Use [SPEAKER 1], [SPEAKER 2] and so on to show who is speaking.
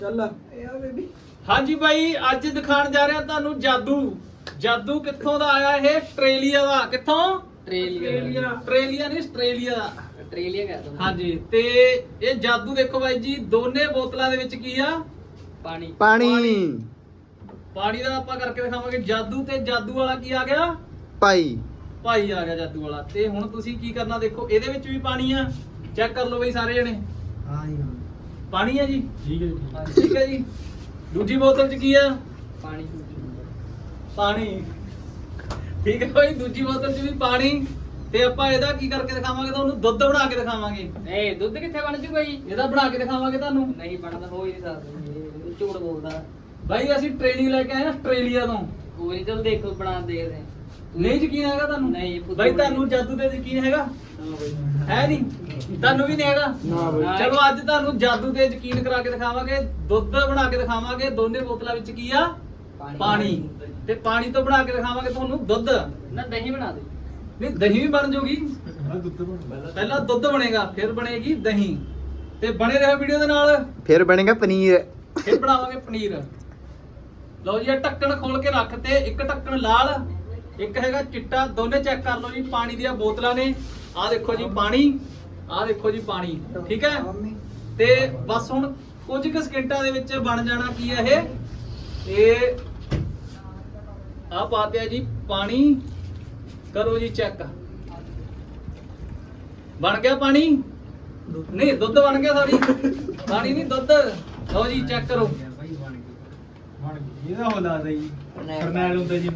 [SPEAKER 1] ਚੱਲ ਯਾ ਬੇਬੀ।
[SPEAKER 2] ਹਾਂਜੀ ਬਾਈ, ਅੱਜ ਦਿਖਾਣ ਜਾ ਰਿਹਾ ਤੁਹਾਨੂੰ ਜਾਦੂ। ਜਾਦੂ ਕਿੱਥੋਂ ਦਾ ਆਇਆ? ਇਹ ਆਸਟ੍ਰੇਲੀਆ ਦਾ। ਕਿੱਥੋਂ?
[SPEAKER 1] ਆਸਟ੍ਰੇਲੀਆ
[SPEAKER 2] ਨਹੀਂ, ਆਸਟ੍ਰੇਲੀਆ ਦਾ।
[SPEAKER 1] ਆਸਟ੍ਰੇਲੀਆ ਕਹਿ ਦੋ।
[SPEAKER 2] ਹਾਂਜੀ, ਤੇ ਇਹ ਜਾਦੂ ਦੇਖੋ ਬਾਈ ਜੀ, ਦੋਨੇ ਬੋਤਲਾਂ ਦੇ ਵਿੱਚ ਕੀ ਆ?
[SPEAKER 1] ਪਾਣੀ।
[SPEAKER 2] ਪਾਣੀ ਦਾ ਆਪਾਂ ਕਰਕੇ ਦਿਖਾਵਾਂਗੇ ਜਾਦੂ। ਤੇ ਜਾਦੂ ਵਾਲਾ ਕੀ ਆ ਗਿਆ?
[SPEAKER 3] ਭਾਈ
[SPEAKER 2] ਆ ਗਿਆ ਜਾਦੂ ਵਾਲਾ। ਤੇ ਹੁਣ ਤੁਸੀਂ ਕੀ ਕਰਨਾ ਦੇਖੋ, ਇਹਦੇ ਵਿੱਚ ਵੀ ਪਾਣੀ ਆ। ਚੈੱਕ ਕਰ ਲਓ ਬਈ ਸਾਰੇ ਜਣੇ।
[SPEAKER 3] ਹਾਂ ਜੀ
[SPEAKER 2] ਪਾਣੀ ਆ ਜੀ।
[SPEAKER 1] ਠੀਕ ਹੈ ਜੀ।
[SPEAKER 2] ਠੀਕ ਹੈ ਜੀ। ਦੂਜੀ ਬੋਤਲ 'ਚ ਕੀ ਆ?
[SPEAKER 1] ਪਾਣੀ।
[SPEAKER 2] ਠੀਕ ਹੈ ਬਾਈ, ਦੂਜੀ ਬੋਤਲ 'ਚ ਵੀ ਪਾਣੀ। ਤੇ ਆਪਾਂ ਇਹਦਾ ਕੀ ਕਰਕੇ ਦਿਖਾਵਾਂਗੇ ਤੁਹਾਨੂੰ? ਦੁੱਧ ਬਣਾ ਕੇ ਦਿਖਾਵਾਂਗੇ।
[SPEAKER 1] ਨਹੀਂ, ਦੁੱਧ ਕਿੱਥੇ ਬਣ ਜੂਗਾ ਜੀ?
[SPEAKER 2] ਇਹਦਾ ਬਣਾ ਕੇ ਦਿਖਾਵਾਂਗੇ ਤੁਹਾਨੂੰ।
[SPEAKER 1] ਨਹੀਂ ਬਣਦਾ, ਹੋ ਹੀ ਨਹੀਂ ਸਕਦਾ। ਇਹ ਝੂਠ ਬੋਲਦਾ
[SPEAKER 2] ਬਾਈ ਅਸੀਂ ਟ੍ਰੇਨਿੰਗ ਲੈ ਕੇ ਆਏ ਆ ਆਸਟ੍ਰੇਲੀਆ ਤੋਂ।
[SPEAKER 1] ਕੋਈ ਨਹੀਂ, ਚਲ ਦੇਖੋ ਬਣਾ ਦੇਖਦੇ ਹਾਂ।
[SPEAKER 2] ਨਹੀਂ ਯਕੀਨ ਹੈਗਾ ਤੁਹਾਨੂੰ?
[SPEAKER 1] ਨਹੀਂ, ਫੁੱਦੂ
[SPEAKER 2] ਬਾਈ ਤੁਹਾਨੂੰ ਜਾਦੂ ਤੇ ਯਕੀਨ ਹੈਗਾ? ਹੈ ਨਹੀਂ? ਤੁਹਾਨੂੰ ਵੀ ਨਹੀਂ ਹੈਗਾ?
[SPEAKER 3] ਨਾ
[SPEAKER 1] ਬਾਈ।
[SPEAKER 2] ਚਲੋ ਅੱਜ ਤੁਹਾਨੂੰ ਜਾਦੂ ਤੇ ਯਕੀਨ ਕਰਾ ਕੇ ਦਿਖਾਵਾਂਗੇ। ਦੁੱਧ ਬਣਾ ਕੇ ਦਿਖਾਵਾਂਗੇ। ਦੋਨੇ ਬੋਤਲਾਂ ਵਿੱਚ ਕੀ ਆ? ਪਾਣੀ। ਤੇ ਪਾਣੀ ਤੋਂ ਬਣਾ ਕੇ ਦਿਖਾਵਾਂਗੇ ਤੁਹਾਨੂੰ ਦੁੱਧ।
[SPEAKER 1] ਨਾ ਦਹੀਂ ਬਣਾ ਦੇ।
[SPEAKER 2] ਨਹੀਂ, ਦਹੀਂ ਵੀ ਬਣ ਜਾਊਗੀ। ਪਹਿਲਾਂ ਦੁੱਧ ਬਣੇਗਾ, ਫਿਰ ਬਣੇਗੀ ਦਹੀਂ। ਤੇ ਬਣੇ ਰਹੋ ਵੀਡੀਓ ਦੇ ਨਾਲ।
[SPEAKER 3] ਫਿਰ ਬਣੇਗਾ ਪਨੀਰ।
[SPEAKER 2] ਫਿਰ ਬਣਾਵਾਂਗੇ ਪਨੀਰ। ਲਓ ਜੀ, ਇਹ ਢੱਕਣ ਖੋਲ ਕੇ ਰੱਖ ਤੇ। ਇੱਕ ਢੱਕਣ ਲਾਲ, ਇੱਕ ਹੈਗਾ ਚਿੱਟਾ। ਦੋਨੇ ਚੈੱਕ ਕਰ ਲਓ ਜੀ। ਪਾਣੀ ਦੀਆਂ ਬੋਤਲਾਂ ਨੇ। ਆਹ ਦੇਖੋ ਜੀ ਪਾਣੀ, ਆਹ ਦੇਖੋ ਜੀ ਪਾਣੀ। ਠੀਕ ਹੈ। ਤੇ ਬਸ ਹੁਣ ਕੁਝ ਕੁ ਸਕਿੰਟਾਂ ਦੇ ਵਿੱਚ ਬਣ ਜਾਣਾ ਕੀ ਹੈ ਇਹ ਆਹ ਪਾਤਿਆ ਜੀ ਪਾਣੀ। ਕਰੋ ਜੀ ਚੈੱਕ। ਬਣ ਗਿਆ ਪਾਣੀ? ਨਹੀਂ, ਦੁੱਧ ਬਣ ਗਿਆ। ਸੌਰੀ, ਪਾਣੀ ਨਹੀਂ, ਦੁੱਧ। ਲਓ ਜੀ ਚੈੱਕ ਕਰੋ।
[SPEAKER 4] ਇਹਦਾ ਹੋ ਲੱਗਦਾ ਜੀ ਫਰਨੈਲ ਹੁੰਦਾ ਜੀ।